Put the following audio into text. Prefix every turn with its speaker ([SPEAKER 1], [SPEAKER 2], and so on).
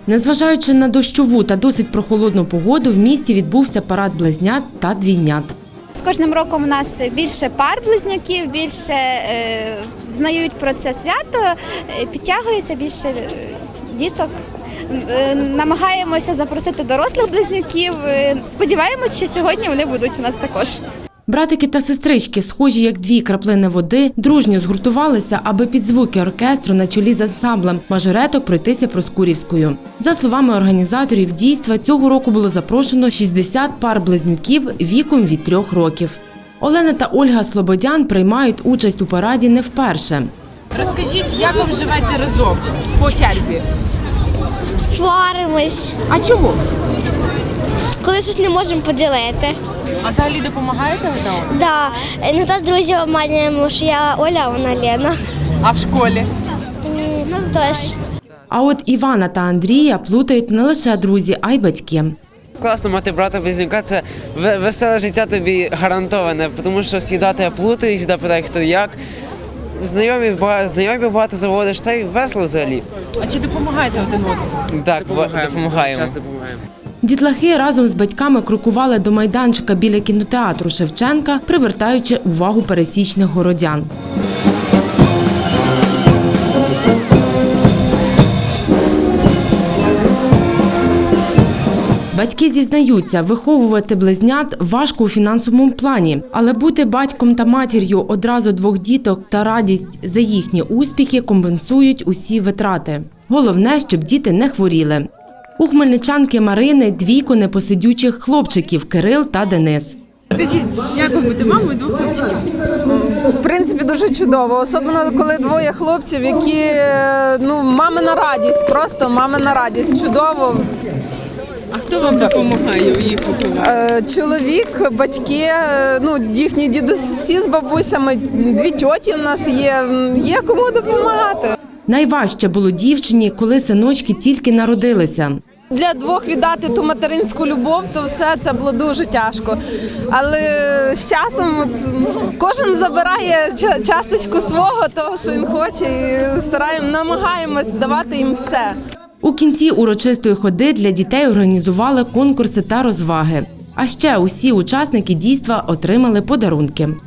[SPEAKER 1] Незважаючи на дощову та досить прохолодну погоду, в місті відбувся парад близнят та двійнят.
[SPEAKER 2] З кожним роком у нас більше пар близнюків, більше знають про це свято, підтягується більше діток. Намагаємося запросити дорослих близнюків. Сподіваємось, що сьогодні вони будуть у нас також.
[SPEAKER 1] Братики та сестрички, схожі як дві краплини води, дружньо згуртувалися, аби під звуки оркестру на чолі з ансамблем мажореток пройтися Проскурівською. За словами організаторів дійства, цього року було запрошено 60 пар близнюків віком від 3 років. Олена та Ольга Слободян приймають участь у параді не вперше.
[SPEAKER 3] Розкажіть, як вам живеться разом по черзі?
[SPEAKER 4] Сваримось,
[SPEAKER 3] А чому?
[SPEAKER 4] коли щось не можемо поділити.
[SPEAKER 3] А взагалі допомагаєте одна одному?
[SPEAKER 4] Да, іноді друзів обманюємо, що я Оля, а вона Лена.
[SPEAKER 3] А в школі?
[SPEAKER 4] Ну, теж.
[SPEAKER 1] А от Івана та Андрія плутають не лише друзі, а й батьки.
[SPEAKER 5] Класно мати брата-близнюка, це веселе життя гарантоване, тому що завжди тебе плутають, завжди питають, хто як. Знайомі багато заводиш, та й весело взагалі.
[SPEAKER 3] А чи допомагаєте один одному?
[SPEAKER 5] Так, допомагаємо. Часто допомагаємо.
[SPEAKER 1] Дітлахи разом з батьками крокували до майданчика біля кінотеатру Шевченка, привертаючи увагу пересічних городян. Батьки зізнаються, виховувати близнят важко у фінансовому плані, але бути батьком та матір'ю одразу 2 діток та радість за їхні успіхи компенсують усі витрати. Головне, щоб діти не хворіли. У хмельничанки Марини 2 непосидючих хлопчиків – Кирил та Денис.
[SPEAKER 3] Скажіть, як вам бути мамою 2 хлопчиків?
[SPEAKER 6] В принципі, дуже чудово, особливо коли 2 хлопців, які, мамина радість, просто мамина радість, чудово.
[SPEAKER 3] А хто вам допомагає у їх вихованні?
[SPEAKER 6] Чоловік, батьки, їхні дідусі з бабусями, 2 тьоті в нас є кому допомагати.
[SPEAKER 1] Найважче було дівчині, коли синочки тільки народилися.
[SPEAKER 6] Для 2 віддати ту материнську любов, то все це було дуже тяжко. Але з часом кожен забирає часточку свого, того, що він хоче, і намагаємось давати їм все.
[SPEAKER 1] У кінці урочистої ходи для дітей організували конкурси та розваги. А ще усі учасники дійства отримали подарунки.